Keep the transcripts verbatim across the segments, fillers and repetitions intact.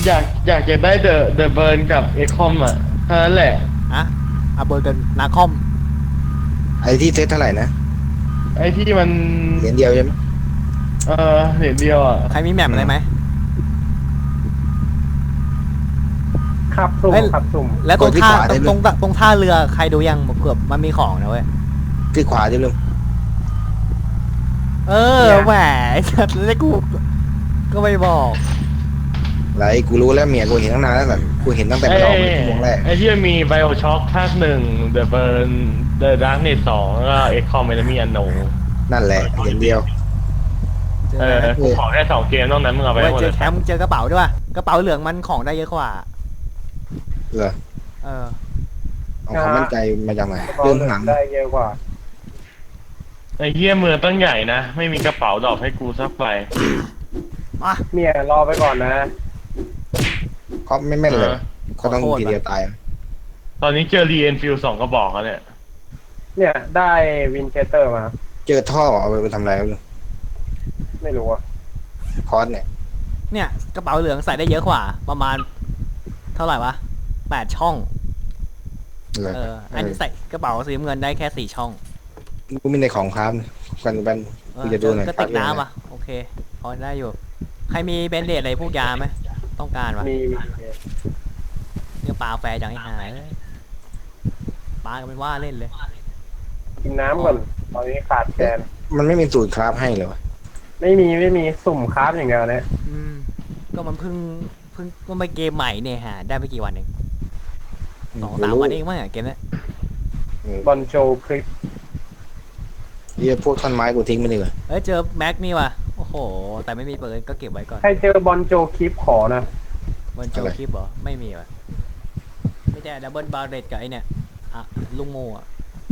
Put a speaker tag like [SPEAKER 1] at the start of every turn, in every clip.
[SPEAKER 1] อยากอยากจะได้เดอะเดอะเบิร์นกับเอคอมอ่ะเท่านั้นแหละ
[SPEAKER 2] อะอาเบอร์กันนาคอม
[SPEAKER 3] ไอ้ที่เซตเท่าไหร่นะ
[SPEAKER 1] ไอ้ที่มัน
[SPEAKER 3] เหรียญเดียวใช่ไหม
[SPEAKER 1] เออเหรียญเดียวอ่ะ
[SPEAKER 2] ใครมีแมปอะไรไหม
[SPEAKER 4] ขับสุ่ม
[SPEAKER 2] เฮ้ย
[SPEAKER 4] ขับสุ่ม
[SPEAKER 2] แล้วตรงท่าตรงตรงตรงท่าเรือใครดูยังเกือบมันมีของนะเว้ย
[SPEAKER 3] ที่ขวาดิลุง
[SPEAKER 2] เออแหมจัดเลยกูก็ไม่บอก
[SPEAKER 3] ไรกูรู้แล้วเมียกูเห็นตั้งนานแล้วแต่กูเห็นตั้งแต่
[SPEAKER 1] ไอ้
[SPEAKER 3] มันออกเป็นชั่วโมงแรก
[SPEAKER 1] ไอ้ที่มันมีไบโอช็อคภาคหนึ่งเดอะเบิร์นเดอะดาร์กเนสสองแล้วก็เอคอมเมนมีอันโน
[SPEAKER 3] นั่นแหละเหรียญเดียว
[SPEAKER 2] เจอ
[SPEAKER 1] เออ
[SPEAKER 2] ไหม
[SPEAKER 1] กูขอแค่สองเกมนอกนั้นมึงเอาไป
[SPEAKER 2] เว้
[SPEAKER 1] ให้
[SPEAKER 2] ย
[SPEAKER 1] หมด
[SPEAKER 2] เจ
[SPEAKER 1] เล
[SPEAKER 2] อยแคมป์เจอกระเป๋าด้วยว่ะกระเป๋าเหลืองมันของได้เยอะกว่า
[SPEAKER 3] เหรอ
[SPEAKER 2] เออ
[SPEAKER 3] เอาความมั่นใจมาจากไหน
[SPEAKER 4] กระเป๋า
[SPEAKER 3] เรื่อง
[SPEAKER 4] เหลือ
[SPEAKER 3] หนั
[SPEAKER 4] ง
[SPEAKER 3] ง
[SPEAKER 4] ได้เยอะกว่า
[SPEAKER 1] ไอ้เหี้ยเมืองตั้งใหญ่นะไม่มีกระเป๋าดอกให้กูสักใบ
[SPEAKER 2] มา
[SPEAKER 4] เมียรอไปก่อนนะ
[SPEAKER 3] เขาไม่แม่นเลย
[SPEAKER 1] เออ
[SPEAKER 3] ก็ต้องทีเดียวตาย
[SPEAKER 1] ตอนนี้เจอรีเอนฟิลสองกระบอกแล้วเนี่ย
[SPEAKER 4] เนี่ยได้วินเคเตอร์มา
[SPEAKER 3] เจอท่อเอาไปทำอะไรลุง
[SPEAKER 4] ไม่รู้อ่ะ
[SPEAKER 3] คอร์สเนี่ย
[SPEAKER 2] เนี่ยกระเป๋าเหลืองใส่ได้เยอะกว่า ประมาณ เท่าไหร่วะแปดช่อง
[SPEAKER 3] เหรอ
[SPEAKER 2] เอออันนี้ใส่กระเป๋าสีน้ำเงินได้แค่สี่ช่อง
[SPEAKER 3] กูมีในของครับกันเป็น
[SPEAKER 2] เอ
[SPEAKER 3] กู
[SPEAKER 2] อ
[SPEAKER 3] จะดูหน่อย
[SPEAKER 2] ก็ติดน้ำอ่ะโอเคพอได้อยู่ ใครมีเบนเดตอะไรพวกยาไหมต้องการวะ
[SPEAKER 4] มีมี
[SPEAKER 2] เนี่ยปลาแฟร์จังไอ้หายปลาก็เป็นว่าเล่นเลย
[SPEAKER 4] กินน้ำก่อนตอนนี้ขาดแคลน
[SPEAKER 3] มันไม่มีสูตรคราฟให้เลยวะ
[SPEAKER 4] ไม่มีไม่มีสุ่มคราฟอย่างเดียวเนี่ย
[SPEAKER 2] อืมก็มันเพิ่งเพิ่งก็ไม่เกมใหม่เนี่ยฮะได้ไม่กี่วันเองสองสามวันเองมั้งอะเกมเนี้ย
[SPEAKER 4] บอลโจคลิป
[SPEAKER 3] เฮียพวกท่อนไม้กูทิ้งไปดีกว่า
[SPEAKER 2] เอ้ยเจอแม็กนี่ว่ะโอ้โหแต่ไม่มีปืนก็เก็บไว้ก่อน
[SPEAKER 4] ใครเจอบอลโจคลิปขอนะ
[SPEAKER 2] บนโจคลิปเหรอไม่มีว่ะไม่ใช่ดับเบิลบาร์เรตกับไอเนี่ยอ่ะลุงโมอ่ะ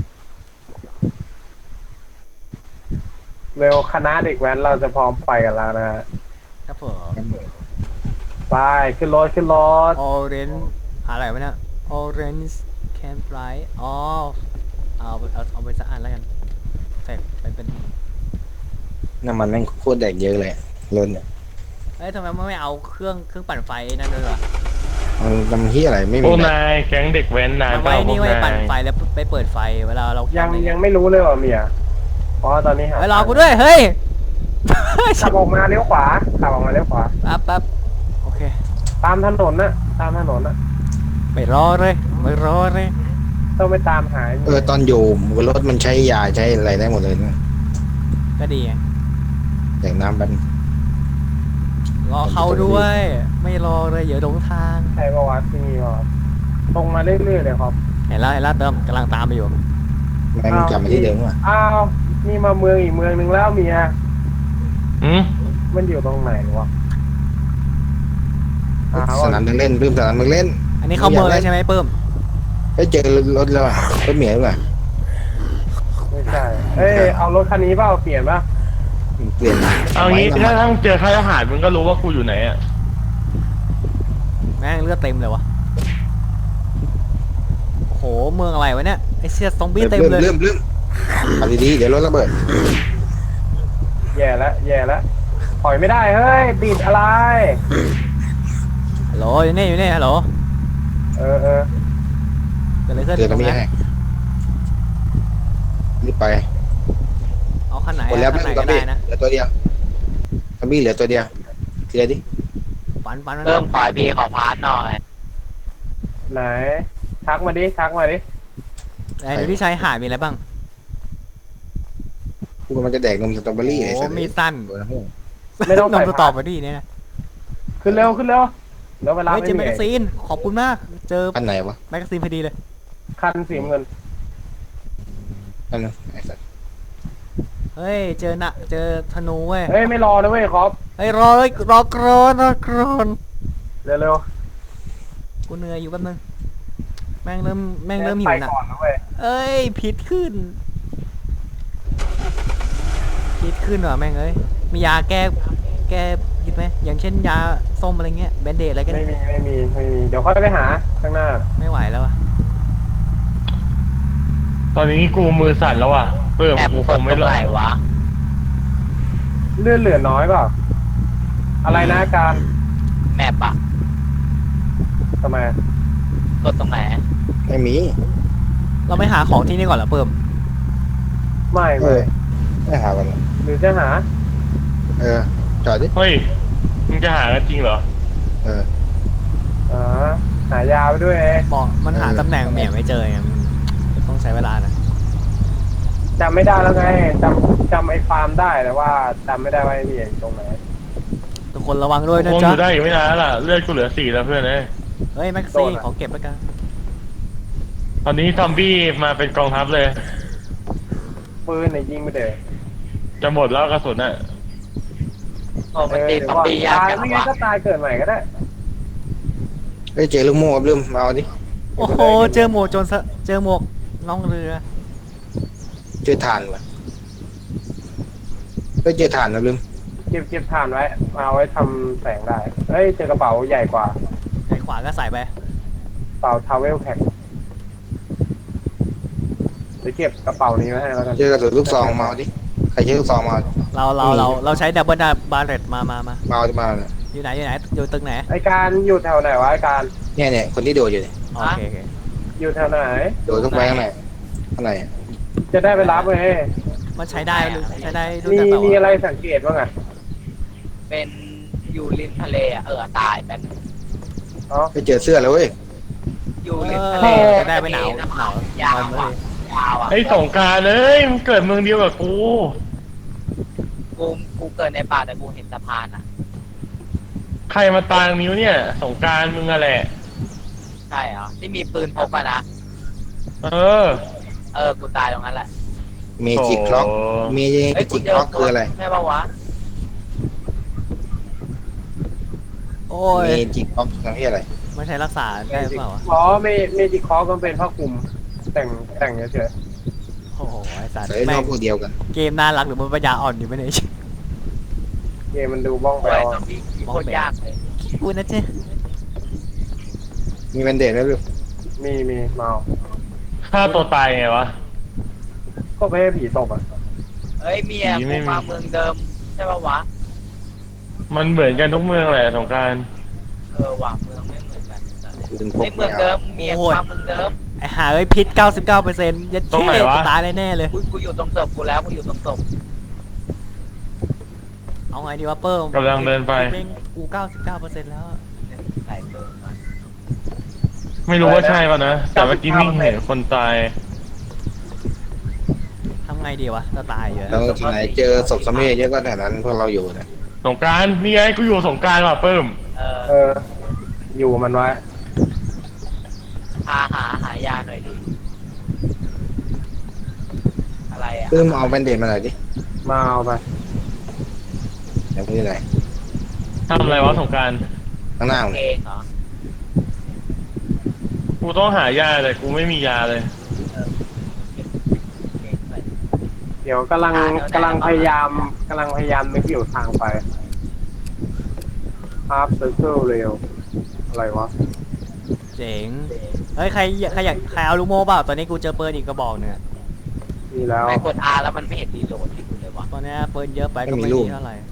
[SPEAKER 4] เร็วคณะเด็กแว้นเราจะพร้อมไปกันแล้วนะฮะ
[SPEAKER 2] ครับผม
[SPEAKER 4] ไปขึ้นรถขึ้นรถ
[SPEAKER 2] ออเรนอะไรวะเนี่ยออเรนจ์แคนฟลายอ๋อเอาเอาเอาไปสักอันแล้วกันใส่ไปเป็น
[SPEAKER 3] น้ำมันแม่งโคตรแดกเยอะเลยล้นเนี่ย
[SPEAKER 2] เอ้ยทำไมไม่เอาเครื่องเครื่องปั่นไฟนั่นด้วยวะ
[SPEAKER 3] มันทำเฮียอะไรไม่
[SPEAKER 1] พ
[SPEAKER 3] มี
[SPEAKER 1] วก
[SPEAKER 3] แบต
[SPEAKER 1] นายแก๊งเด็กแว้นนาย
[SPEAKER 2] เอา
[SPEAKER 1] เป
[SPEAKER 2] ไว้
[SPEAKER 1] ล่าพว
[SPEAKER 2] นี่
[SPEAKER 1] ก
[SPEAKER 2] ไว้
[SPEAKER 1] นา
[SPEAKER 2] ปั่น
[SPEAKER 1] ย
[SPEAKER 2] ไฟแล้วไปเปิดไฟเวลาเรา
[SPEAKER 4] ยัง
[SPEAKER 2] ทำอะร
[SPEAKER 4] ยังไม่รู้เลยว่าเมียเพราะว่าตอนนี้หา
[SPEAKER 2] เฮ้ยรอกูด้วยเฮ้ย
[SPEAKER 4] ขับออกมาเลี้ยวขวาขับออกมาเลี้ยวขวา
[SPEAKER 2] แป๊บแป๊บโอเค
[SPEAKER 4] ตามถนนนะตามถนนนะ
[SPEAKER 2] ไม่รอเลยไม่รอเลย
[SPEAKER 4] ต้องไปตามหา
[SPEAKER 3] เออตอนอยู่รถมันใช้ยาใช้อะไรได้หมดเลยนะ
[SPEAKER 2] ก็ดีไง
[SPEAKER 3] แดกน้ำมัน
[SPEAKER 2] รอเขาด้วย ไม่รอเลยอย่าหลงทาง
[SPEAKER 4] ใช่ประวัติที่นี่ครับตรงมาเรื่อยๆเลยครับ
[SPEAKER 2] เห็นแล้วเห็นแล้วเติมกำลังตามไปอยู่
[SPEAKER 3] แม่งกลับมาที่เดิมว่ะ
[SPEAKER 4] อ้าวนี่มาเมืองอีกเมืองหนึ่งแล้วเมีย
[SPEAKER 1] อืม
[SPEAKER 4] มันอยู่ตรงไหนวะอ้าว
[SPEAKER 3] สนามเด็กเล่นลืมสนามเด็กเล่น
[SPEAKER 2] อันนี้เข้าเมืองแล้วใช่ไหมเพิ่ม
[SPEAKER 3] ไปเจอรถแล้วอะรถเหมียวว่ะ
[SPEAKER 4] ไม่ใช่เอ้ยเอารถคันนี้เปล่าเปลี่ยนป่ะ
[SPEAKER 3] เปลี่ยน
[SPEAKER 1] เอางี้
[SPEAKER 3] ไว้
[SPEAKER 1] ถ้า
[SPEAKER 3] น้ำมัน
[SPEAKER 1] ทั้งเจอค่ายทหารมึงก็รู้ว่ากูอยู่ไหนอ่ะ
[SPEAKER 2] แม่งเลือดเต็มเลยวะโอ้โหเมืองอะไรวะเนี่ยไอเสียซอมบี้เต็มเลย
[SPEAKER 3] เริ่มเริ่มเอาดีๆเดี๋ยวรถระเบิด
[SPEAKER 4] แย่แล้วแย่แล้วถอยไม่ได้เฮ้ยติดอะไร
[SPEAKER 2] ฮัลโหลอยู่นี่อยู่นี่ฮัลโหล
[SPEAKER 4] เออเออ
[SPEAKER 2] เกิดอะไรขึ้น
[SPEAKER 3] เจอตรงนี้
[SPEAKER 2] ตรง
[SPEAKER 3] ให้
[SPEAKER 2] นั้น
[SPEAKER 3] รีบไป
[SPEAKER 2] เอาขั้นไหน
[SPEAKER 3] หมดแล้ว
[SPEAKER 2] ขั้นไหน
[SPEAKER 3] ซอ
[SPEAKER 2] ก็
[SPEAKER 3] มบี้
[SPEAKER 2] ได้นะ
[SPEAKER 3] เหลือตัวเดียวซอมบี้เหลือตัวเดียวทีละดิ
[SPEAKER 2] ปันปันมัน
[SPEAKER 5] เริ่มปล่อยพีของพาร์ทหน่อย
[SPEAKER 4] ไหนทักมาดิทักมาดิ
[SPEAKER 2] ไอ้ที่ชายหาดมีอะไรบ้าง
[SPEAKER 3] กูมันจะแดกนมสตรอเบอรี่
[SPEAKER 2] โอ้
[SPEAKER 3] ไอ้
[SPEAKER 2] โห
[SPEAKER 3] สัตว์
[SPEAKER 2] มีสั้น
[SPEAKER 3] เออ
[SPEAKER 4] ไม่ต้อง
[SPEAKER 2] น
[SPEAKER 4] ใส่
[SPEAKER 2] มสตอเบอรี่เนี่ยนะ
[SPEAKER 4] ขึ้นเร็วขึ้นเร็วแล้วเวลา
[SPEAKER 2] เฮ้ย
[SPEAKER 4] ไม่
[SPEAKER 2] เจอแม
[SPEAKER 4] มี
[SPEAKER 2] กกาซีนขอบคุณมากเจอ
[SPEAKER 3] อันไหนวะ
[SPEAKER 2] แมกกาซีนพอดีเลย
[SPEAKER 4] คันสีเงิน
[SPEAKER 3] อันนั้นไอ้สัตว์
[SPEAKER 2] เฮ้ยเจอหนะเจอธนูเว้ย
[SPEAKER 4] เฮ้ยไม่รอนะเว้ยครับ
[SPEAKER 2] เฮ้ยรอเลยรอกรอนรอกรอน
[SPEAKER 4] เร็วเร็ว
[SPEAKER 2] กูเหนื่อยอยู่แป๊บนึงแม่งเริ่มแม่งเริ่มหิ
[SPEAKER 4] ไป
[SPEAKER 2] วหนะ
[SPEAKER 4] ก่อนนะเว้ย
[SPEAKER 2] เอ้ยผิดขึ้นผิดขึ้นว่ะแม่งเอ้ยมียาแก้แก้ผิดไหมอย่างเช่นยาส้มอะไรเงี้ยแบนเดดอะไรกัน
[SPEAKER 4] ไม่มีไม่มีไม่มีเดี๋ยวค่อยไปหาข้างหน้า
[SPEAKER 2] ไม่ไหวแล้วอะ
[SPEAKER 1] ตอนนี้กูมือสั่นแล้วอ่ะเพิ่ม
[SPEAKER 5] แอป
[SPEAKER 1] กูค
[SPEAKER 5] เปิด
[SPEAKER 1] ง
[SPEAKER 5] ต
[SPEAKER 1] ไม่
[SPEAKER 5] รง
[SPEAKER 1] รอ
[SPEAKER 5] ไหน
[SPEAKER 1] ด
[SPEAKER 5] วะ
[SPEAKER 4] เลื่อนเหลือน้อยเปล่าอะไรนะการ
[SPEAKER 5] แมปอะ
[SPEAKER 4] ทำไม
[SPEAKER 5] กดตรงไหน
[SPEAKER 3] ไม่มี
[SPEAKER 2] เราไม่หาของที่นี่ก่อนเหรอเพิ่ม
[SPEAKER 4] ไม่
[SPEAKER 3] เอ
[SPEAKER 4] ไม่
[SPEAKER 3] อไม่หากันหรอก
[SPEAKER 4] หรือจะหา
[SPEAKER 3] เออจอดดิ
[SPEAKER 1] เฮ้ยมึงจะหากันจริงเหรอ
[SPEAKER 3] เออ
[SPEAKER 4] อ๋อหายาไปด้วยเอง
[SPEAKER 2] บอกมันหา
[SPEAKER 3] เออ
[SPEAKER 2] ตำแหน่งเหมี่ยไม่เจอไงมันต้องใช้เวลานะ
[SPEAKER 4] จำไม่ได้แล้วไงจำจำไอ้ฟาร์มได้แต่ว่าจำไม่ได้ว่าไอ้นี่อยู่ตรงไหน
[SPEAKER 2] ทุกคนระวังด้วยนะ
[SPEAKER 1] คงอ
[SPEAKER 2] จ๊ะ
[SPEAKER 1] ยู่ได้อีกไม่นานแล้วล่ะเลือดกูเหลือสี่แล้วเพื่อนเอ้ย
[SPEAKER 2] เฮ้ยแม็กซี่ขอเก็บแล้วกัน
[SPEAKER 1] ตอนนี้ซอมบี้มาเป็นกองทัพเลย
[SPEAKER 4] ปืนเนี่ยยิงไม่เด้
[SPEAKER 1] จะหมดแล้วกระสุนอ่ะ
[SPEAKER 5] โอ้มันตี
[SPEAKER 4] เดี๋
[SPEAKER 5] ซ
[SPEAKER 4] ย
[SPEAKER 5] อ
[SPEAKER 4] ว
[SPEAKER 5] ม
[SPEAKER 4] ก่อน
[SPEAKER 5] บี้ยาก
[SPEAKER 4] ตาย
[SPEAKER 5] จัง
[SPEAKER 4] ไม่งั้น
[SPEAKER 5] วะ
[SPEAKER 4] ก็ตายเกิดใหม่ก็ได้
[SPEAKER 3] เฮ้ยเจอลูกโม่ครับลืมมาเอาดิ
[SPEAKER 2] โอ้โหเจอหมวกโจรสะเจอหมวกล่องเรือ
[SPEAKER 3] เจอถ่านว่ะเฮ้ยเจอถ่านนะลืม
[SPEAKER 4] เก็บเก็บถ่านไว้เอาไว้ทำแสงได้เฮ้ยเจอกระเป๋าใหญ่กว่า
[SPEAKER 2] ไอ้ขวาก็ใส่ไป
[SPEAKER 4] กระเป๋าทาวเวลแพ็คเดี๋ยวเก็บกระเป๋านี้ไว้ให้แล้วกัน
[SPEAKER 3] เจอกระสุนลูกซองมาเอาดิใครใช้ลูกซองมาเอา
[SPEAKER 2] เราเราเราเราใช้ดับเบิลบาร์เรตมามามา
[SPEAKER 3] มาเอามาเนี่ย
[SPEAKER 2] อยู่ไหนอยู่ไหนอยู่ตึกไหน
[SPEAKER 4] ไอการอยู่แถวไหนวะไอการ
[SPEAKER 3] เนี่ยเนี่ยคนที่โดดอยู่เนี่ย
[SPEAKER 2] โอเคโอเค
[SPEAKER 4] อยู่แถวไหน
[SPEAKER 3] โดดเข้าไปข้างในข้างใน
[SPEAKER 4] จะได้ไปรับเลย
[SPEAKER 2] มันใช้ได้หรือใช้ได้ด้วย
[SPEAKER 4] มี
[SPEAKER 2] กันเปล่า
[SPEAKER 4] มีอะไรสังเกตบ้างอ่ะ
[SPEAKER 5] เป็นอยู่ริมทะเลอะเออตายเป็น
[SPEAKER 4] อ๋อ
[SPEAKER 3] ไปเจอเสื้อแล้วเว้ย
[SPEAKER 5] อยู่
[SPEAKER 2] เอ
[SPEAKER 5] ริม
[SPEAKER 2] อ
[SPEAKER 5] ทะเล
[SPEAKER 2] จะได้ไปหนาวหนาวย
[SPEAKER 5] าว
[SPEAKER 2] เล
[SPEAKER 5] อ่ะ
[SPEAKER 2] ย
[SPEAKER 5] ยาวอ่ะ
[SPEAKER 1] ไอ้สงกรารเลยมึงเกิดเมืองเดียวกับกู
[SPEAKER 5] กูกูเกิดในป่าแต่กูเห็นสะพานอ่ะ
[SPEAKER 1] ใครมาตางนิ้วเนี่ย สงกรารมึงอะแหละ
[SPEAKER 5] ใช่เหรอที่มีปืนพกอะนะ
[SPEAKER 1] เออ
[SPEAKER 5] เออกูตายตรงนั้นแหละ
[SPEAKER 3] เมจิกคล็อก
[SPEAKER 1] โอ้
[SPEAKER 3] เม
[SPEAKER 5] เฮ้ย
[SPEAKER 3] จิกคล็อกคืออะไร
[SPEAKER 5] ใช่ปะวะ
[SPEAKER 2] โอ้ย
[SPEAKER 3] เมจิกคล็อกคือที่อะไร
[SPEAKER 2] มันใช้รักษาได้เปล่าวะ
[SPEAKER 4] อ๋อเมเมจิคอก็เป็นผ้าคลุมแต่งแต่งเฉย
[SPEAKER 2] โอ้โหไอ้สัตว์
[SPEAKER 3] ใส่น
[SPEAKER 2] แม่
[SPEAKER 3] อง กพวกเดียวกัน
[SPEAKER 2] เกมน่ารักหรือมันปัญญาอ่อนอยู่ไม่เนี่ย
[SPEAKER 4] ๆเกมมันดูบ้อง
[SPEAKER 5] โอ้
[SPEAKER 4] แปล
[SPEAKER 5] ยว ซอมบี้โคตรยากเลย
[SPEAKER 2] กูนะเจ๊
[SPEAKER 3] มีแบนเดดไหมลูก
[SPEAKER 4] มีมีเมา
[SPEAKER 1] ฆ่าตัวตายไงวะ
[SPEAKER 4] ก็ไม่ให้ผีตบอ่ะ
[SPEAKER 5] เฮ้ยเมีย
[SPEAKER 1] ผีไม่
[SPEAKER 5] กู
[SPEAKER 1] มี
[SPEAKER 5] มาเมืองเดิมใช่ปะวะ
[SPEAKER 1] มันเหมือนกันทุกเมืองแหละสงกราร
[SPEAKER 5] เออว่ะเมืองไม่เหมือนกัน
[SPEAKER 3] ปืนพ
[SPEAKER 5] ใน
[SPEAKER 3] ก
[SPEAKER 5] เมื
[SPEAKER 3] ไม่
[SPEAKER 5] อง
[SPEAKER 3] เอา
[SPEAKER 5] เดิมเมียกูมาเมืองเดิม
[SPEAKER 2] ไอ้หาเอ้ยพิษ เก้าสิบเก้าเปอร์เซ็นต์ ยัดเท่กูตายแน่ๆเลย
[SPEAKER 5] กูกูอยู่ตรงศพกูแล้วกูอยู่ตรงศพ
[SPEAKER 2] เอาไงดีวะเปิ้ม
[SPEAKER 1] กำลังเดินไป
[SPEAKER 2] แม่งกู เก้าสิบเก้าเปอร์เซ็นต์ แล้ว
[SPEAKER 5] ใส่เบอร์มา
[SPEAKER 1] ไม่รู้ว่าใช่ป่ะนะ แต่เมื่อกี้มิ่งเห็นคนตาย
[SPEAKER 2] ทำไงดีวะจะตายอยู่
[SPEAKER 3] แล้วที่ไหนเจอศพสมัยเยอะก็แถวนั้นพวกเราอยู่นะ
[SPEAKER 1] สงกรารนี่ไงกูอยู่สงกรารว่ะเพิ่ม
[SPEAKER 5] เออ
[SPEAKER 4] เออ อยู่มันไว้
[SPEAKER 5] หาหาหายาหน่อยดิอะไรอ่ะ
[SPEAKER 3] ปื้มเอาแบนเดดมาหน่อยดิ
[SPEAKER 4] มาเอาไป
[SPEAKER 3] ไหนพูดที่ไหน
[SPEAKER 1] ทำอะไรวะสงกราร
[SPEAKER 3] ข้างหน้ามึง
[SPEAKER 5] เองเหรอ
[SPEAKER 1] กูต้องหายาเลยกูไม่มียาเลย
[SPEAKER 5] เองไป
[SPEAKER 4] เดี๋ยวกำลังกำลังพยายามกำลังพยายามนึกอยู่ทางไปฮาร์ปเซอร์เคิลเร็วอะไรวะ
[SPEAKER 2] เจ๋ง เฮ้ยใครใครอยากใครเอาลูกโม่เปล่าตอนนี้กูเจอปืนอีกกระบอกเนี่ย
[SPEAKER 4] มีแล้ว
[SPEAKER 5] ไม่กด R แล้วมันไม่เห็นรีโหลดให้กูเลยวะ
[SPEAKER 2] ตอนนี้ปืนเยอะไปก็ไม่ดีเท่าไหร่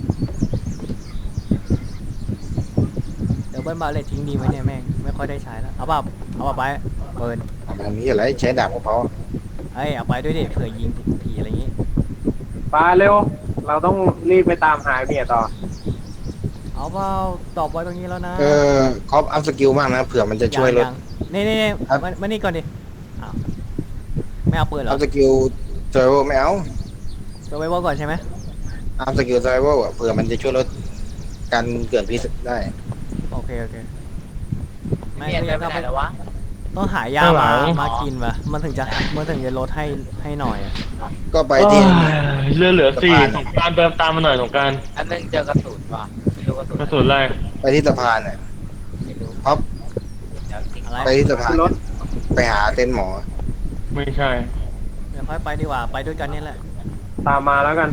[SPEAKER 2] เดี๋ยวเบิ้ลมาเลยทิ้งดีไหมเนี่ยแม่งไม่ค่อยได้ใช้แล้วเอาเปล่าเอาเปล่าไปปืน
[SPEAKER 3] อันนี้อะไรใช้ดาบของเขา
[SPEAKER 2] เฮ้ยเอาไปด้วยดิเผื่อยิงผีอะไรอย่างงี้
[SPEAKER 4] ไปเร็ว เราต้องรีบไปตามหาเมียต่อ
[SPEAKER 2] เอาเปล่าตอบไว้ตรงนี้แล้วนะ
[SPEAKER 3] เออคอปอัพสกิลมากนะเผื่อมันจะช่วยลด
[SPEAKER 2] งๆนี่นี่นี่
[SPEAKER 3] ครับ
[SPEAKER 2] มามานี่ก่อนดิอ้าวไม่เอาปืนเหร
[SPEAKER 3] อั
[SPEAKER 2] อ
[SPEAKER 3] พสกิลเซอร์ไวไม่เอา
[SPEAKER 2] ตัวไว้ว่าก่อนใช่ไหม
[SPEAKER 3] อัพสกิลเซอร์ไวอ่ะเผื่อมันจะช่วยลดการเกิดพิษได้
[SPEAKER 2] โอเคโอเคไม่
[SPEAKER 5] เมีย
[SPEAKER 2] ก็
[SPEAKER 5] เดิ
[SPEAKER 2] ยั
[SPEAKER 5] น
[SPEAKER 2] ง
[SPEAKER 5] ไป
[SPEAKER 2] ต้อง
[SPEAKER 5] ไหน
[SPEAKER 2] ไป
[SPEAKER 5] แล้ววะ
[SPEAKER 2] ต้องหายา
[SPEAKER 1] ข้างหลั
[SPEAKER 2] มาง มากินว่ะมันถึงจะมันถึงจะลดให้ให้หน่อยอะ
[SPEAKER 3] ก็ไปที่
[SPEAKER 1] เรือเหลือสี่
[SPEAKER 3] สะพาน
[SPEAKER 1] สงกรารเดินตามมาหน่อยสงกราร
[SPEAKER 5] อันนึงเจอกระสุนว่ะไม่รู้กระสุน
[SPEAKER 1] กระสุนอะไร
[SPEAKER 3] ไปที่สะพานน่ะ
[SPEAKER 5] ไม่รู้
[SPEAKER 3] ครับ
[SPEAKER 5] เดี๋ยวทิ้ง
[SPEAKER 2] อะไร
[SPEAKER 3] ไปที่สะพาน
[SPEAKER 4] รถ
[SPEAKER 3] ไปหาเต็นท์หมอ
[SPEAKER 1] ไม่ใช่
[SPEAKER 2] เดี๋ยวค่อยไปดีกว่าไปด้วยกันนี่แหละ
[SPEAKER 4] ตามมาแล้วกัน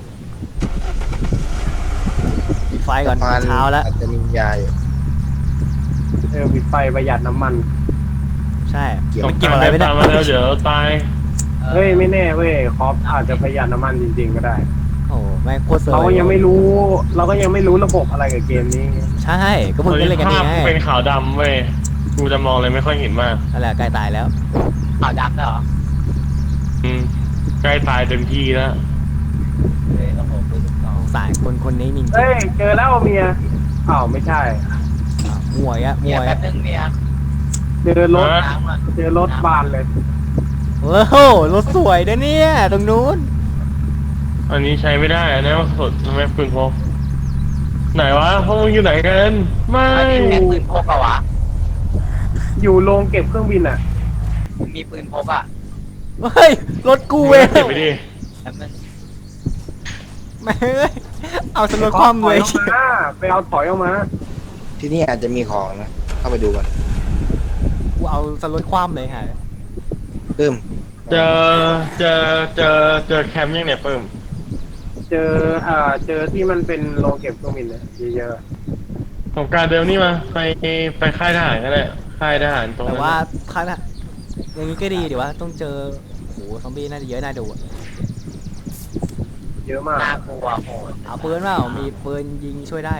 [SPEAKER 2] ปิดไฟก่อน
[SPEAKER 3] สะพาน
[SPEAKER 2] เช้าแล้ว
[SPEAKER 3] อาจจะมียาอยู่
[SPEAKER 4] เออปิดไฟประหยัดน้ำมัน
[SPEAKER 2] ใช่
[SPEAKER 3] เกี่ยว
[SPEAKER 2] มันเกี่ยวอะไร
[SPEAKER 1] เดิ
[SPEAKER 2] ไม่
[SPEAKER 1] น
[SPEAKER 2] ได้
[SPEAKER 1] ตามมาแล้วเดี๋ยวตาย
[SPEAKER 4] เฮ้ย ไม่แน่เว้ยคอปอาจจะประหยัดน้ำมันจริงๆก็ได้
[SPEAKER 2] เโอ้แม่งโคตรเซอร์
[SPEAKER 4] เราก็ยังไม่รู้ เราก็ยังไม่รู้ระบบอะไรกับเกมนี้
[SPEAKER 2] ใช่ก็เพิ่งเล่นกัน
[SPEAKER 1] ภา
[SPEAKER 2] นี่
[SPEAKER 1] พ
[SPEAKER 2] ไง
[SPEAKER 1] เป็นขาวดำเว้ยกูจะมองเลยไม่ค่อยเห็นมาก
[SPEAKER 2] นั่นแหละใกล้ตายแล้ว
[SPEAKER 5] ขาวดำแล้วเหรอ
[SPEAKER 1] อืมใกล้ตายเต็มที่แล้ว
[SPEAKER 5] เลยโอ้โหปืนลูกซอง
[SPEAKER 2] สงสารคนคนนี้จริงๆ
[SPEAKER 4] เฮ้ย เจอแล้วเมียอ้าวไม่ใช่
[SPEAKER 2] อ่ะมวยอะม
[SPEAKER 5] เมีย
[SPEAKER 2] วย
[SPEAKER 5] แป๊
[SPEAKER 2] อะ
[SPEAKER 5] บนึงเมีย
[SPEAKER 4] เจอรถ
[SPEAKER 5] น้ำอ่ะ
[SPEAKER 4] เจอรถบานเลย
[SPEAKER 2] โอ้โหรถสวยนะเนี่ยตรงนู้น
[SPEAKER 1] อันนี้ใช้ไม่ได้อันนี้มันสดทำไมปืนพกไหนวะพวกมึงอยู่ไหนกันไม่
[SPEAKER 5] อันนี้แค่ปืนพกอะวะ
[SPEAKER 4] อยู่โรงเก็บเครื่องบินอ่ะ
[SPEAKER 5] มีปืนพกอะ
[SPEAKER 2] เฮ้ยรถกูเว้ย
[SPEAKER 1] เก็บไปดิ
[SPEAKER 5] แป๊บนึง
[SPEAKER 2] แม่งเอ้ยเอาสรถความ
[SPEAKER 4] ถ
[SPEAKER 2] เล
[SPEAKER 4] อย
[SPEAKER 2] ย
[SPEAKER 4] ออกมาไปเอาถอยออกมา
[SPEAKER 3] ที่นี่อาจจะมีของนะเข้าไปดูกัน
[SPEAKER 2] กูเอาสรถความเลยฮะ
[SPEAKER 3] เพิ่ม
[SPEAKER 1] เจอเจอเจอเจอแคมป์ยังเนี่ยเพิ่ม
[SPEAKER 4] เจอเอ่อเจอที่มันเป็นโรงเก็บเครื่องบินนะเยอะ
[SPEAKER 1] ของการเดิมนี่มาไปไปค่ายทหารก็ได้ค่ายทหารตรง
[SPEAKER 2] แต่
[SPEAKER 1] นั้น
[SPEAKER 2] ว่าคันอะอย่างนี้ก็ดีดีว่าต้องเจอโหซอมบี้น่าจะเยอะน่าดูอะ
[SPEAKER 4] ๆเยอะมาก
[SPEAKER 5] น่ากลัวโหด
[SPEAKER 2] เอาปืนเปล่ามีปืนยิงช่วยได้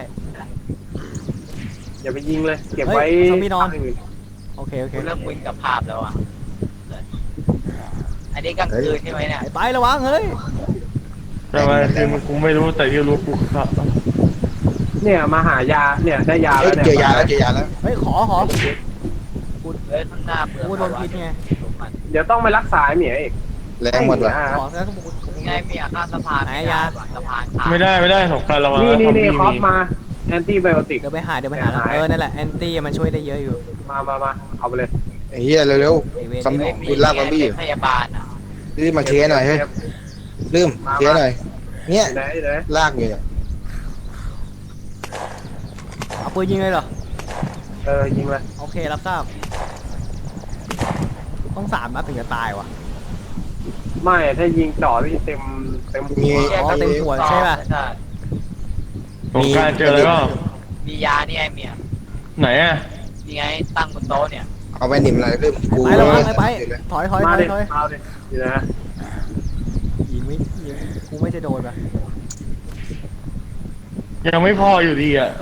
[SPEAKER 4] อย่าไปยิงเลย เก็บไว้
[SPEAKER 2] เฮ้ยซอมบี้นอน
[SPEAKER 4] ทางอื่
[SPEAKER 2] โอเคโอเค
[SPEAKER 5] กูเริ่มมึนกับภาพแล้วอะอันนี้กลางคืนใช่ไหมเนี่ย
[SPEAKER 2] ไประวังเฮ้ย
[SPEAKER 1] แต่ว่าคือมันกูไม่รู้แต่ที่รู้กูครับ
[SPEAKER 4] เนี่ยมาหายาเนี่ยได้ยา
[SPEAKER 3] เอ้
[SPEAKER 4] แล้
[SPEAKER 3] ยว
[SPEAKER 4] เนี่ย
[SPEAKER 3] เจอยาแล้วเจอยาแล้ว
[SPEAKER 2] เฮ้ยขอขอ
[SPEAKER 5] เฮ้ยข้างหน้าเปลือก
[SPEAKER 2] กูโดนพิษไง
[SPEAKER 4] เดี๋ยวต้องไปรักษาไอ้เหมียอีก
[SPEAKER 3] แรงหมดวะ
[SPEAKER 2] ขอแล้วก็บอก
[SPEAKER 5] ไงเมียข้ามสะพาน
[SPEAKER 2] ไหนยา
[SPEAKER 5] สะพานขาด
[SPEAKER 1] ไม่ได้ไม่ได้สงครามระวัง
[SPEAKER 4] นี่
[SPEAKER 1] นะ
[SPEAKER 4] นี่
[SPEAKER 1] ซอม
[SPEAKER 4] นี่
[SPEAKER 1] บี้
[SPEAKER 4] คอฟ
[SPEAKER 1] มี
[SPEAKER 4] มาแอนตี้ไบโอติก
[SPEAKER 2] เดี๋ยวไปหาเดี๋ยวไปหา
[SPEAKER 4] หาย
[SPEAKER 2] เออนั่นแหละแอนตี้มันช่วยได้เยอะอยู่
[SPEAKER 4] มามามาเอาไปเลย
[SPEAKER 3] ไอ้เหี้ยเร็ว
[SPEAKER 2] ไอ้เวร
[SPEAKER 3] ๆซอม
[SPEAKER 5] ไม่
[SPEAKER 3] บี้
[SPEAKER 5] มี
[SPEAKER 3] คุณลากซอมบี้อยู่
[SPEAKER 5] เป็นพยาบาลอะ
[SPEAKER 3] รีบมาเคลียร์หน่อยเฮ้ยลืมเคลียร์หน่อย เนี่ย
[SPEAKER 4] ไหนไหน
[SPEAKER 3] ลากอยู่เนี่ย
[SPEAKER 2] เอาปืนยิงเลยเหรอ
[SPEAKER 4] เออยิงเลย
[SPEAKER 2] โอเครับทราบต้องสามนัดถึงจะตายวะ
[SPEAKER 4] ไม่ถ้ายิงจ่อที่เต็มเต็มหั
[SPEAKER 3] มี
[SPEAKER 4] ว
[SPEAKER 2] อ๋อเต็มหัว ใช่ป่ะ
[SPEAKER 5] ใช่
[SPEAKER 1] สงกรารเจออะไรก็
[SPEAKER 5] มียานี่ไงเมีย
[SPEAKER 1] ไหนอ่ะ
[SPEAKER 5] นี่ไงตั้งบนโต๊ะเนี่ย
[SPEAKER 3] เอาไปหนิมอะไรลืมกู
[SPEAKER 2] ไปแล้ววะไปไปถอยถอยถ
[SPEAKER 4] มา
[SPEAKER 2] อย
[SPEAKER 4] ดิ
[SPEAKER 2] ถอย
[SPEAKER 4] เอาดินี่นะ
[SPEAKER 2] ยิงไม่ยิงกูไม่จะโดนปะ
[SPEAKER 1] ยังไม่พออยู่ดีอ่ะ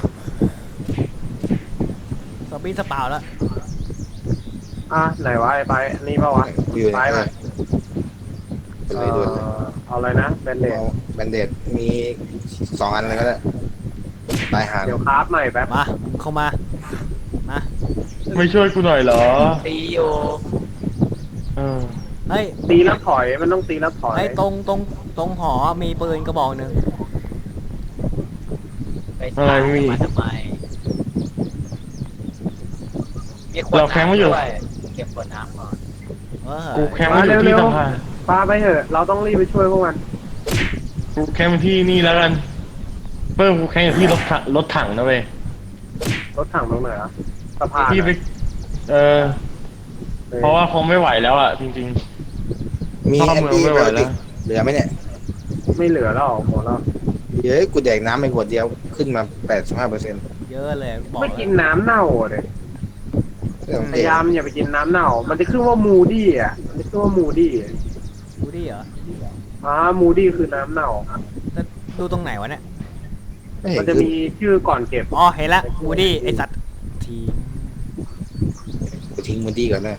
[SPEAKER 2] ซอมบี้สเปล่าแล้ว
[SPEAKER 4] อ่ะไหนวะไอ้ไปนี่เปล่าวะ
[SPEAKER 3] กูอยู่
[SPEAKER 4] ไป
[SPEAKER 3] ไหน
[SPEAKER 4] ไหม
[SPEAKER 3] ไป
[SPEAKER 4] เอ
[SPEAKER 3] เลยด่วนเลย
[SPEAKER 4] อเอาอะไรนะแบนเดด
[SPEAKER 3] เอาแบนเดดมีสองอันเลยก็ได้ตายหา
[SPEAKER 4] เดี๋ยวคราฟใหม่แป๊บ
[SPEAKER 2] มาเข้ามามา
[SPEAKER 1] ไม่ช่วยกูหน่อยเหรอ
[SPEAKER 5] ตีอยู่
[SPEAKER 1] เออ
[SPEAKER 2] เฮ้ย
[SPEAKER 4] ตีแล้วถอยมันต้องตีแล้วถอย
[SPEAKER 2] ไอ้ตรงตรงตรงหอมีปืนกระบอกหนึ่ง
[SPEAKER 5] ไปตามมาทำไมมีขวด
[SPEAKER 1] เราแคมป์ไม่อยู่
[SPEAKER 5] น้ำด้วยเก็บขวดน้ำก่อน
[SPEAKER 2] เออ
[SPEAKER 1] กูแคมป์มาอยู่ที่สะพาน
[SPEAKER 4] พาไปเถอะเราต้องรีบไปช่วยพวกมัน
[SPEAKER 1] กูแคมป์ที่นี่แล้วกันเพิ่มกูแคมป์อยู่ที่รถถังรถถังนะเว้ย
[SPEAKER 4] รถถังตรงไหนอ่ะสะพาน
[SPEAKER 1] ที่ไป
[SPEAKER 4] อะ
[SPEAKER 1] เออ เพราะว่าคงไม่ไหวแล้วอ่ะจริง
[SPEAKER 3] มี
[SPEAKER 1] เข้า
[SPEAKER 3] แอน
[SPEAKER 1] เมือง
[SPEAKER 3] ตี้
[SPEAKER 1] ไม่
[SPEAKER 3] ไบ
[SPEAKER 1] ไหว
[SPEAKER 3] โอ
[SPEAKER 1] แล้
[SPEAKER 3] ติ
[SPEAKER 1] ว
[SPEAKER 3] กเหลือไหมเนี่ย
[SPEAKER 4] ไม่เหลือแล้วหมดแล้ว
[SPEAKER 3] เฮ้ยกูแดกน้ำไปขวดเดียวขึ้นมาแปดสิบห้าเปอร์เซ็นต์
[SPEAKER 2] เยอะเลยบอก
[SPEAKER 4] ไม่
[SPEAKER 2] เล
[SPEAKER 4] กิ
[SPEAKER 2] ย
[SPEAKER 4] นน้ำเน่าเลยพยายามอย่าไปกินน้ำเน่า มันจะขึ้นว่ามูดี้อ่ะมันจะขึ้นว่ามูดี้
[SPEAKER 2] ดูดิเหรอ
[SPEAKER 4] อ่ามูดี้คือน้ำเน่า
[SPEAKER 2] แล้วดูตรงไหนวะเนี่ย
[SPEAKER 3] ไม่เห็น
[SPEAKER 4] มันจะ
[SPEAKER 3] ขึ้น
[SPEAKER 4] มีชื่อก่อนเก็บ
[SPEAKER 2] อ๋อเห็นละวูดี้ไอสัตว์ที
[SPEAKER 3] กูทิ้งมูดี้ก่อนเลย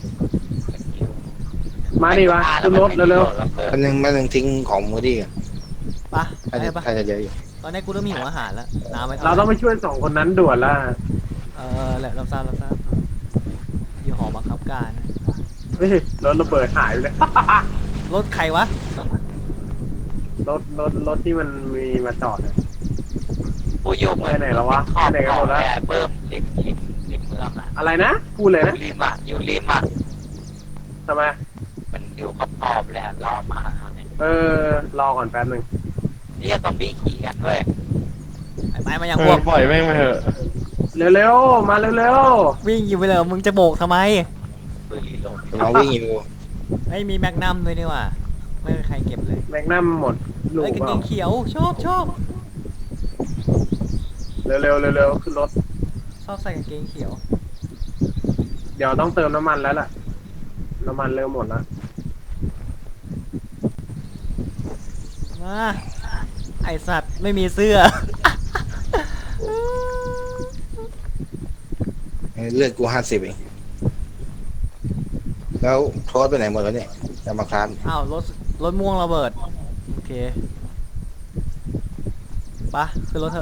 [SPEAKER 4] มาดิวะขึ้นรถเร็ว
[SPEAKER 3] มันยังมันยังทิ้งของมูดี้ก่อน
[SPEAKER 2] ปะ
[SPEAKER 3] ถ้า
[SPEAKER 2] ไป
[SPEAKER 3] จะ
[SPEAKER 2] ปะ
[SPEAKER 3] ถ้าจะเยอะอยู่
[SPEAKER 2] ตอนนี้กูเริ่มหิวอาหารแล้วน้ำไม่
[SPEAKER 4] ๆเราต้องไปช่วยสองคนนั้นด่วนละ
[SPEAKER 2] เออแหละเราทราบเราทราบอยู่หอบังคับการ
[SPEAKER 4] เฮ้ยรถระเบิดหายไปเลย
[SPEAKER 2] รถใครวะ
[SPEAKER 4] รถรถรถที่มันมีมาจอดอะ
[SPEAKER 5] กูอยู่เหมือน
[SPEAKER 4] ไปไหนแล้ววะ
[SPEAKER 5] ขอบ
[SPEAKER 4] ไปไหนกันหมดแล้ว
[SPEAKER 5] แเพิ่มริมริมริมเมืองอะ
[SPEAKER 4] อะไรนะพูดเลยนะ
[SPEAKER 5] ริมอะอยู่ริมอะ
[SPEAKER 4] ทำไม
[SPEAKER 5] มันอยู่ขอบขอบๆแหละรอมาเนี่ย
[SPEAKER 4] เออรอก่อนแป๊บหนึ่ง
[SPEAKER 5] นี่ซอมบี้ขี่กันด้วย
[SPEAKER 2] ไอ้ไปมาอ
[SPEAKER 1] ๆ
[SPEAKER 2] ย่าง
[SPEAKER 1] เอ
[SPEAKER 2] พว
[SPEAKER 1] อก ปล่อยแม่งไปเถอะ
[SPEAKER 4] เร็วๆมาเร็ว
[SPEAKER 2] วิ่งอยู่ไปเลยมึงจะโบกทำไม
[SPEAKER 5] ปืนรีโหลด
[SPEAKER 3] เราวิ่งอยู่
[SPEAKER 2] ไม่มีแมกนัมด้วยนี่ว่ะไม่มีใครเก็บเลย
[SPEAKER 4] ๆแมกนัมหมดลูก
[SPEAKER 2] เฮ้ยกาง
[SPEAKER 4] เป
[SPEAKER 2] เก
[SPEAKER 4] ล่าง
[SPEAKER 2] เขียวชอบชอบ
[SPEAKER 4] เร็วๆเร็วๆขึ้นรถ
[SPEAKER 2] ชอบใส่กางเกงเขียว
[SPEAKER 4] เดี๋ยวต้องเติมน้ำมันแล้วล่ะ น้ำมันเริ่มหมดแล้ว
[SPEAKER 2] มาไอสัตว์ไม่มีเสื้อ
[SPEAKER 3] เลือดกูห้าสิบเองแล้วโทษไปไหนหมดแล้วเนี่ยจะมาคลาน
[SPEAKER 2] อ้าวรถรถม่วงระเบิดโอเคปะขึ้นรถเถอะ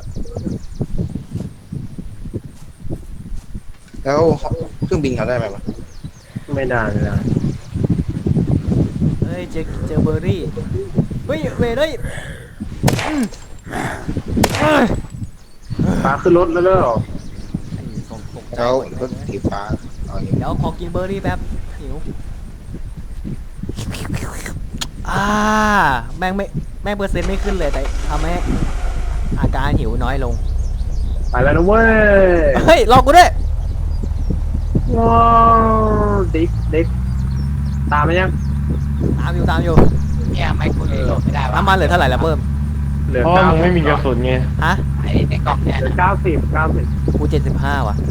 [SPEAKER 3] แล้วเครื่องบินเขาได้ไหมวะ
[SPEAKER 4] ไม่ได้ไม่ได้
[SPEAKER 2] เฮ้ยเจอเจอเบอร์รี่เฮ้ยเวรเฮ้ยอืมเฮ้ย
[SPEAKER 4] ปลาขึ้นรถแล้วเด้อ
[SPEAKER 2] ไอ้ส่งตกใจ
[SPEAKER 3] แล้ว
[SPEAKER 2] หมด
[SPEAKER 3] รถสีฟ้าเอาอย่าง
[SPEAKER 2] เดี๋ยวขอกินเบอร์รี่แป๊บหิวอ่าแม่งไม่แม่งเปอร์เซ็นต์ไม่ขึ้นเลยแต่ทำให้อาการหิวน้อยลง
[SPEAKER 4] ไปแล้วนะเว้ย
[SPEAKER 2] เฮ้ยรอกูด้วย
[SPEAKER 4] ว้าวดิฟดิฟตามมายัง
[SPEAKER 2] ตามอยู่ตามอยู่
[SPEAKER 5] เนี่ยไม่กูรีโหลดไม่ได้วะ
[SPEAKER 2] น้ำมันเหลือเท่าไหร่แล้วเพิ่ม
[SPEAKER 4] เหลือ
[SPEAKER 1] เพราะ
[SPEAKER 4] เก้า
[SPEAKER 1] มึงไม่มีกระสุนไง
[SPEAKER 2] ฮะ
[SPEAKER 5] ไอ้ในกล่องเนี่ย
[SPEAKER 4] เหลือ
[SPEAKER 5] นะ
[SPEAKER 4] เก้าสิบเก้าสิบ
[SPEAKER 2] กูเจ็ดสิบห้าว่ะ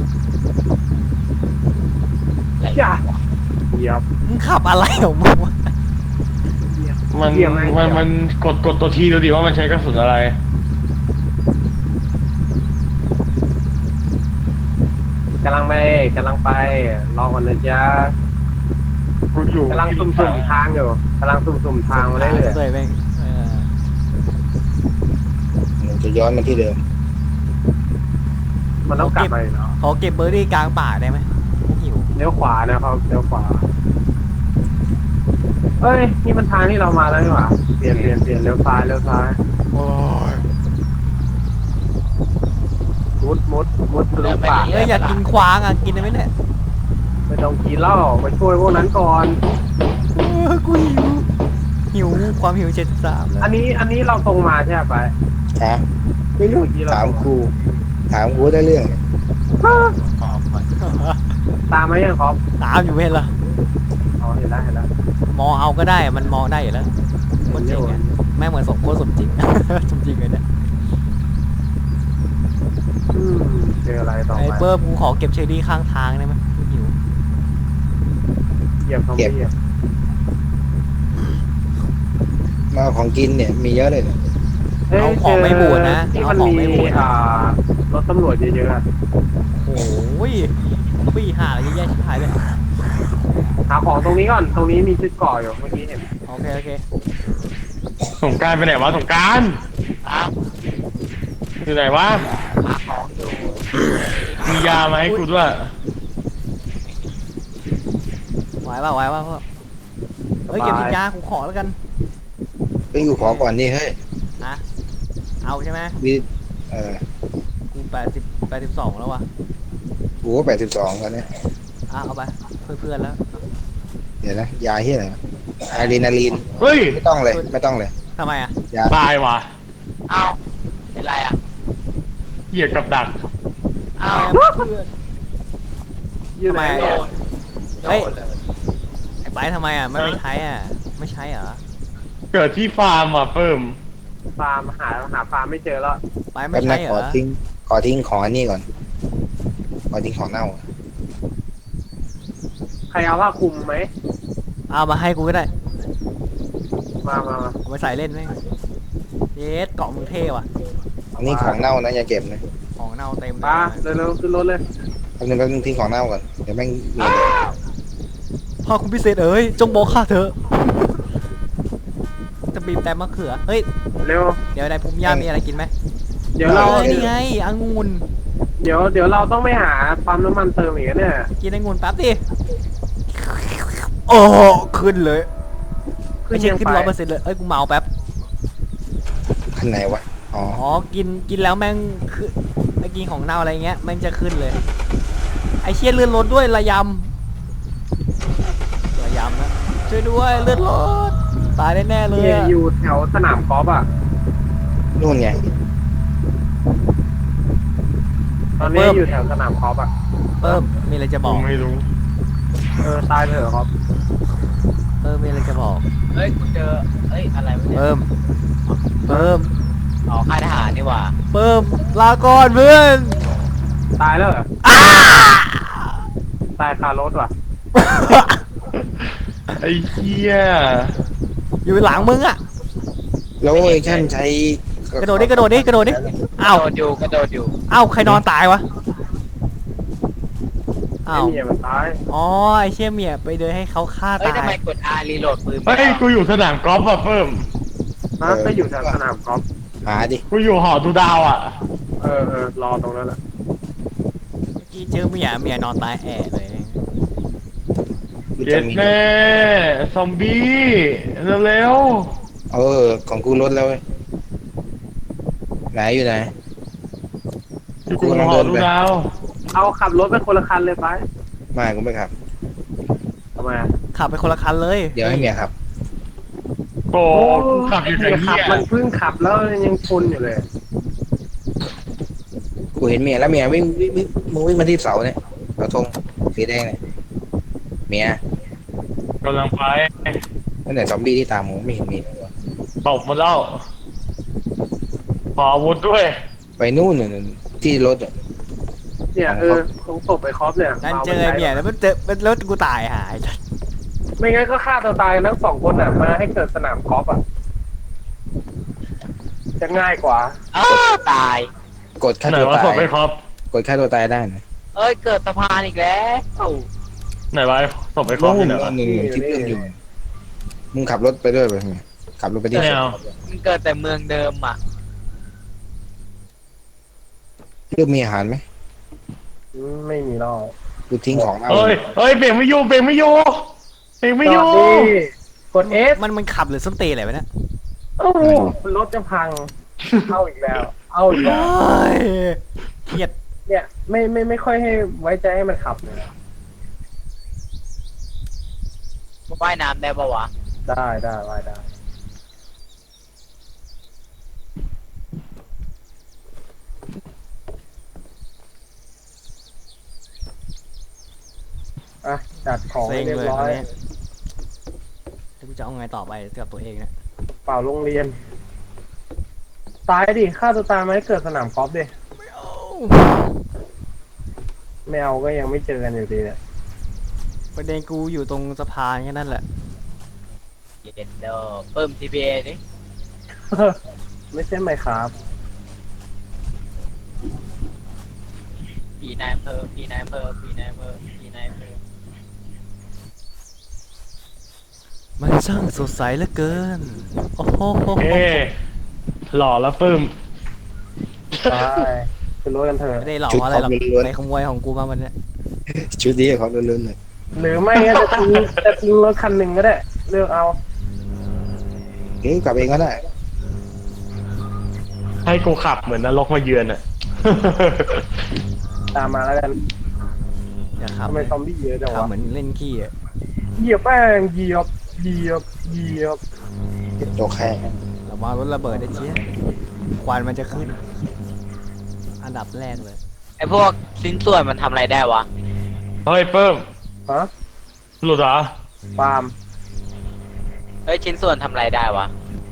[SPEAKER 5] อะไร
[SPEAKER 4] จ้าเยียบ
[SPEAKER 2] มึงขับอะไรของมึงวะ
[SPEAKER 1] มัน
[SPEAKER 4] เยี่ยมไหม
[SPEAKER 1] มันมันกดกดตัวทีดูดิว่ามันใช้กระสุนอะไร
[SPEAKER 4] กำลังไปกำลังไปรอก่อนนะจ๊ะ
[SPEAKER 1] กูอยู่
[SPEAKER 4] กำลังสุ่มๆทางอยู่กำลังสุ่มๆทางมาได้เลย
[SPEAKER 2] เลยแม่งเออ
[SPEAKER 3] มันจะย้อนมาที่เดิม
[SPEAKER 4] มันต้องกลับไปเนาะ
[SPEAKER 2] ขอเก็บเบอร์รี่กลางป่าได้ไหมกูหิว
[SPEAKER 4] เลี้ยวขวานะครับเลี้ยวขวาเอ้ยนี่มันทางที่เรามาแล้วนี่หว่าเปลี่ยนเปลี่ยนเปลี่ยนเลี้ยวซ้ายเลี้ยวซ้าย
[SPEAKER 1] โอ้ย
[SPEAKER 4] มุดมุดมุดทะลุป่า
[SPEAKER 2] เอ้ยอยากกินควางอ่ะกินได้ไหมเนี่ย
[SPEAKER 4] ไม่ต้องกินเหล้าไปช่วยพวกนั้นก่อน
[SPEAKER 2] เออกูหิวหิวความหิวเจ็ดสิบสามแล้ว
[SPEAKER 4] อันนี้อันนี้เราตรงมาใช่ไหมไป
[SPEAKER 3] ฮะ
[SPEAKER 4] ไม่รู้กี่เรา
[SPEAKER 3] ถามครูถามครูได้เรื่อง
[SPEAKER 4] ตามไหมยังครับ
[SPEAKER 2] ตามอยู่ไม่เห็นเหรอ
[SPEAKER 4] อ๋อเห็นแล้วเห็นแล้ว
[SPEAKER 2] มองเอาก็ได้มันมองได้อยู่แล้วคนจริงอ่ะแม่งเหมือนสมโคตรสมจริง สมจริงเลยเนี่ย
[SPEAKER 4] อืมเจออะไรต่อ
[SPEAKER 2] ไอ้
[SPEAKER 4] ไป
[SPEAKER 2] เปิ้มกูขอเก็บเชอรี่ข้างทางได้ไหมกูหิว
[SPEAKER 4] เหยียบเขาไม่เหยียบ
[SPEAKER 3] มาของกินเนี่ยมีเยอะเลยเนี่ย
[SPEAKER 2] เอาของไม่บูดนะ
[SPEAKER 4] ที่
[SPEAKER 2] เอา
[SPEAKER 4] มัน
[SPEAKER 2] ของ
[SPEAKER 4] มี
[SPEAKER 2] ไม่บูด
[SPEAKER 4] อ่ารถตำรวจเยอะๆอะ
[SPEAKER 2] โอ้ยปี้ห่าอะไรเยอะแยะชิบหายเลย
[SPEAKER 4] หาของตรงนี้ก่อนตรงนี้มีชุดเก่ออยู่เมื่อกี้เห็น
[SPEAKER 2] โอเคโอเค
[SPEAKER 1] สงกรารไปไหนวะสงกราร
[SPEAKER 5] อ้าว
[SPEAKER 1] อยู่ไหนวะ
[SPEAKER 5] หาของอยู่
[SPEAKER 1] มียามาให้กูด้วย
[SPEAKER 2] ไหวป่ะไหวป่ะพ่อเฮ้ยเก็บสินยากูขอแล้วกัน
[SPEAKER 3] ไปอยู่ขอก่อนนี่เฮ้ย
[SPEAKER 2] นะเอาใช่ไหม
[SPEAKER 3] วิเออ
[SPEAKER 2] กูแปดสิบแปดสิบสองแล้ววะ
[SPEAKER 3] กูก็แปดสิบสองแล้วเนี่ย
[SPEAKER 2] อ่ะเอาไปเพื่อนๆแล้ว
[SPEAKER 3] เดี๋ยวนะยาเฮียอะไรวะอะดรีนาลีน
[SPEAKER 1] เฮ้ย
[SPEAKER 3] ไม่ต้องเลยไม่ต้องเลย
[SPEAKER 2] ทำไมอ่ะ
[SPEAKER 3] ยา
[SPEAKER 1] ตายว่ะ
[SPEAKER 5] อ้าวเป็นไรอ่ะ
[SPEAKER 1] เหยียดกับดัก
[SPEAKER 5] อ้าว
[SPEAKER 2] เพื่อน
[SPEAKER 4] ยืดไหน
[SPEAKER 2] ทำไม
[SPEAKER 5] โด
[SPEAKER 4] เนี่ย
[SPEAKER 5] นโด
[SPEAKER 2] เฮ้ย
[SPEAKER 5] นเลย
[SPEAKER 2] ไอ้ไปทำไมอ่ะไม่ไม่ใช้อ่ะไม่ใช้เหรอ
[SPEAKER 1] เกิดที่ฟาร์มอ่ะเพิ่ม
[SPEAKER 4] ฟาร์มหาหาฟาร์มไม่เจอแล้ว
[SPEAKER 2] ไปไม่
[SPEAKER 3] แป๊บ
[SPEAKER 2] ใช้
[SPEAKER 3] นะ
[SPEAKER 2] เหร
[SPEAKER 3] ขอ
[SPEAKER 2] อ
[SPEAKER 3] ทิ้งขอทิ้งของอันนี้ก่อนขอทิ้งของเน่า
[SPEAKER 4] ใครเอาผ้าคลุมไหม
[SPEAKER 2] เอามาให้กูก็ได้
[SPEAKER 4] มามามา
[SPEAKER 2] เอาไปใส่เล่นไหมเยสเกาะมึงเท่ว่ะ
[SPEAKER 3] อันนี้ของเน่านะอย่าเก็บนะ
[SPEAKER 2] ของเน่าเต็มเลย
[SPEAKER 4] ป้าเร็วๆขึ้นรถเลย
[SPEAKER 3] แป๊บนึงแป๊บนึงทิ้งของเน่าก่อนเดี๋ยวแม่งมีเลย
[SPEAKER 2] พ่อคุณพิเศษเอ้ยจงบอกข้าเถอะจะบีบแต่มะเขือเฮ้ย
[SPEAKER 4] เร็ว
[SPEAKER 2] เดี๋ยวในภูมิย่ามีอะไรกินไหม
[SPEAKER 4] เดี๋ยวเรา
[SPEAKER 2] ออนี่ไงองุ่น
[SPEAKER 4] เดี๋ยวเดี๋ยวเราต้องไปหาปั๊มน้ำมันเติมอีกนะเนี่ย
[SPEAKER 2] กินองุ่นแป๊บดิโอ้ขึ้นเลยไม่ใช่
[SPEAKER 4] ยัง
[SPEAKER 2] ขึ้น
[SPEAKER 4] ไป
[SPEAKER 2] ร้อยเปอร์เซ็นต์เลยเอ้ยกูเมาแป๊บ
[SPEAKER 3] คันไหนวะอ๋อ
[SPEAKER 2] อ๋อกินกินแล้วแม่งคือไอ้กินของเน่าอะไรเงี้ยแม่งจะขึ้นเลยไอเชี่ยเลื่อนรถด้วยระยำระยำนะช่วยด้วยเลื่อนรถตายแน่ๆเลย
[SPEAKER 4] เนี่ย
[SPEAKER 2] อะ
[SPEAKER 4] อยู่แถวสนามกอล์ฟอ่ะ
[SPEAKER 3] นู่นไง
[SPEAKER 4] ตอนนี้อยู่แถวสนามกอล์ฟอ่ะ
[SPEAKER 2] เพิ่มมีอะไรจะบ
[SPEAKER 1] กู
[SPEAKER 2] อก
[SPEAKER 1] ไม่รู้
[SPEAKER 4] เออตายเถอะครับ
[SPEAKER 2] เพิ่มมีอะไรจะบอก
[SPEAKER 5] เฮ้ยกูเจอเฮ้ยอะไรวะเนี่ย
[SPEAKER 2] เพิ่มเพิ่ม
[SPEAKER 5] อ๋อค่ายทหารนี่หว่า
[SPEAKER 2] เพิ่มลาก่อนเพื่อน
[SPEAKER 4] ตายแล้วเหรอตายคารถว่ะ
[SPEAKER 1] ไอ้เหี้ย
[SPEAKER 2] อยู่หลังมึงอ่ะ
[SPEAKER 3] แล้วเอชั่นใช้ค
[SPEAKER 2] กระโดดดิกระโดดดิกระโดดดิ
[SPEAKER 5] ก
[SPEAKER 2] อ้าว
[SPEAKER 5] ระโดดอยู่กระโดดอยู่
[SPEAKER 2] อ้าวใครนอนตายวะ
[SPEAKER 4] ไอ้
[SPEAKER 2] อ้าว
[SPEAKER 4] เมียมันตาย
[SPEAKER 2] อ๋อไอเชี่ยเมียไปเดินให้เขาฆ่า
[SPEAKER 5] เอ้ย
[SPEAKER 2] ตา
[SPEAKER 5] ทำไม
[SPEAKER 2] ย
[SPEAKER 5] กด R รีโหลดปืน
[SPEAKER 1] เฮ้ยกูอยู่สนามกอล์ฟอะเพิ่ม
[SPEAKER 4] ฮะก็อยู่แถวสนามกอล์ฟ
[SPEAKER 3] หาดิ
[SPEAKER 1] กูอยู่หอดูดาวอ่ะ
[SPEAKER 4] เออเออรอตรงนั้นแหละ
[SPEAKER 2] เมื่อกี้เจอเมียเมียนอนตายแอะเลย
[SPEAKER 3] กู
[SPEAKER 1] เจ็
[SPEAKER 3] จะ
[SPEAKER 1] ด
[SPEAKER 3] มี
[SPEAKER 1] แม่ซอมบี้เร็ว
[SPEAKER 3] เออของกูลดแล้วเว้ยไหนอยู่ไหน
[SPEAKER 1] ๆอยู่หอดูดาว
[SPEAKER 4] เอาขับรถไปคนละคันเลยไป
[SPEAKER 3] ไม่กูไม่ขับ
[SPEAKER 4] ทำไมอะ
[SPEAKER 2] ขับไปคนละคันเลย
[SPEAKER 3] เดี๋ยวให้เมียขับ
[SPEAKER 1] โอ้กูขับอยู่ไหน
[SPEAKER 4] ขับ
[SPEAKER 1] เนี่ย
[SPEAKER 4] มันเพิ่งขับแล้วยังชนอยู่เลย
[SPEAKER 3] กูเห็นเมียแล้วเมียวิ่งวิ่งวิ่งมึงวิ่งมาที่เสาเนี่ยเสาธงสีแดงเนี่ยเมีย
[SPEAKER 1] กำลังไป
[SPEAKER 3] นั่นแหละซอมบี้ที่ตามมึงไม่เห็นมีเลยวะ
[SPEAKER 1] ตบมาแล้วขออาวุธด้วย
[SPEAKER 3] ไปนู่นน่ะที่รถอะ
[SPEAKER 4] เนี่ยเออตรงศพไอ้คอฟเนี่ย
[SPEAKER 2] นั่นเจอเมียแล้วมันเจอมันแล้วกูตายหาย
[SPEAKER 4] ไม่งั้นก็ฆ่าตัวตายกันทั้งสองคนอ่ะมาให้เกิดสนามกอล์ฟอ่ะจะง่ายกว่า
[SPEAKER 5] อ้าวตาย
[SPEAKER 3] กดฆ่า
[SPEAKER 1] ไหน
[SPEAKER 3] ตัว
[SPEAKER 1] วะ
[SPEAKER 3] ตา
[SPEAKER 1] ศ
[SPEAKER 3] ย
[SPEAKER 1] พไปครับ
[SPEAKER 3] กดฆ่าตัวตายได้นะ
[SPEAKER 5] เอ้ยเกิดสะพานอีกแล้ว
[SPEAKER 1] ไหนวะศพไปครับ
[SPEAKER 3] นู่
[SPEAKER 1] ที่
[SPEAKER 3] น
[SPEAKER 1] ไหนวะ
[SPEAKER 3] หนึ่งที่เพื่อนอยู่มึงขับรถไปด้วยไปทำไมขับรถไปที่
[SPEAKER 1] ไม่เอา
[SPEAKER 5] มันเกิดแต่เมืองเดิมอ่ะ
[SPEAKER 3] เพื่อมีอาหารไหม
[SPEAKER 4] ไม่มีหรอก
[SPEAKER 3] กูทิ้งของเอา
[SPEAKER 1] เฮ้ยเฮ้ยเบรกไม่อยู่เบรกไม่อยู่เบรกไม่อยู่
[SPEAKER 4] จอดดิกด F
[SPEAKER 2] มันมันขับหรือส้นตีนอะไรวะเนี่ย
[SPEAKER 4] โอ้โหรถจะพัง เอาอีกแล้ว เอาอีก
[SPEAKER 2] โอ้
[SPEAKER 4] แล้ว
[SPEAKER 2] ยเครียด
[SPEAKER 4] เนี่ยไม่ไม่ไม่ค่อยให้ไว้ใจให้มันขับเลยนะ
[SPEAKER 5] ว่ายน้ำได้ปะวะ
[SPEAKER 4] ได้ได้ไว้ได้อ่ะจัดของ
[SPEAKER 2] เซ็
[SPEAKER 4] ให้
[SPEAKER 2] ง
[SPEAKER 4] เรีย
[SPEAKER 2] เล
[SPEAKER 4] บ
[SPEAKER 2] ย
[SPEAKER 4] ร้
[SPEAKER 2] ต
[SPEAKER 4] อ
[SPEAKER 2] อน
[SPEAKER 4] ย
[SPEAKER 2] นี้แล้วกูจะเอาไงต่อไปกับตัวเองเนะ
[SPEAKER 4] เปล่าโรงเรียน ตายดิฆ่าตัวตายมาให้เกิดสนามกอล์ฟดิไม่เอาก็ยังไม่เจอกันอยู่ดีเนี่ย
[SPEAKER 2] ประเด็นกูอยู่ตรงสะพานแค่นั้นแหละ
[SPEAKER 5] เย็นเดอเพิ่ม ที พี เอ นี่
[SPEAKER 4] ไม่ใช่ไหมครับ
[SPEAKER 5] ปีนายอำเภอปีนายอำเภอปีนายอำเภอปีนายอำเภอ
[SPEAKER 2] มันช่างสดใสเหลือเกิน โอ้โห
[SPEAKER 1] เอ๊หล่อแล้วปึ้ม
[SPEAKER 4] ใช่ขึ้นรถกันเถอะ
[SPEAKER 2] ไม่ได้หลอกอะไรหรอกไปขโมยของกูมาวันเนี้ย
[SPEAKER 3] ชุดนี้เขาเลื่อนๆเลย
[SPEAKER 4] หรือไม่ก็จะทิ้งจะทิ้งรถคันหนึ่งก็ได้ เลือกเอา
[SPEAKER 3] เฮ้ยกลับเองก็ได้
[SPEAKER 1] ให้กูขับเหมือนนรกมาเยือนอ่ะ
[SPEAKER 4] ตามมาแล้วกัน
[SPEAKER 2] อย่าขับ
[SPEAKER 4] ทำไมซอมบี้เยอะจัง
[SPEAKER 2] ขับ
[SPEAKER 4] วะ
[SPEAKER 2] เหมือนเล่นขี้อะ
[SPEAKER 4] เหยียบแป้งเหยียบเหยียบเหยียบ
[SPEAKER 3] ตกแค่
[SPEAKER 2] ระวังรถระเบิดได้เชี่ยควันมันจะขึ้น อันดับแรกเลย
[SPEAKER 5] ไอพวกชิ้นส่วนมันทำอะไรได้วะ
[SPEAKER 1] เฮ้ยเพิ่ม
[SPEAKER 4] ฮะ
[SPEAKER 1] หลุดเหรอ
[SPEAKER 4] ปาล์ม
[SPEAKER 5] เฮ้ยชิ้นส่วนทำอะไรได้วะ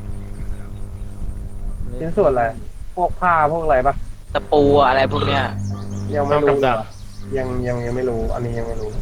[SPEAKER 4] ชิ้นส่วนอะไร พวกผ้าพวกอะไรปะ
[SPEAKER 5] ตะปูอะไรพวกเนี้ย
[SPEAKER 4] ยังไม่
[SPEAKER 1] เอา
[SPEAKER 4] รู้
[SPEAKER 1] กับดัก
[SPEAKER 4] ยังยังยังไม่รู้ อันนี้ยังไม่รู้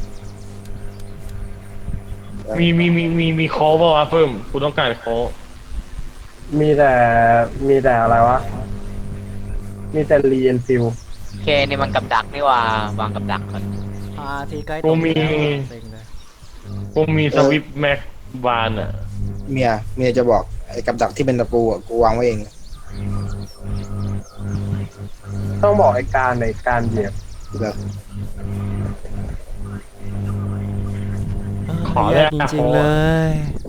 [SPEAKER 1] มีมีมีมีมีโค้กป่าวะเพิ่มกูต้องการโค้ก
[SPEAKER 4] มีแต่มีแต่อะไรวะ มีแต่รีเอนฟิล
[SPEAKER 5] เคนี่มันกับดักนี่ว่าวางกับดักก่อน
[SPEAKER 2] อาทีใกล้
[SPEAKER 1] กูมี
[SPEAKER 2] เซ็งเลย
[SPEAKER 1] กูมีสวิปแม็กบานอ่ะ
[SPEAKER 3] เมียเมียจะบอกไอ้กับดักที่เป็นตะปูอ่ะกูวางไว้เอง
[SPEAKER 4] ต้องบอกไอ้การในการเหยียบ
[SPEAKER 3] แบบ
[SPEAKER 1] ขอแล
[SPEAKER 2] แย่
[SPEAKER 1] ก
[SPEAKER 2] จริงๆเลย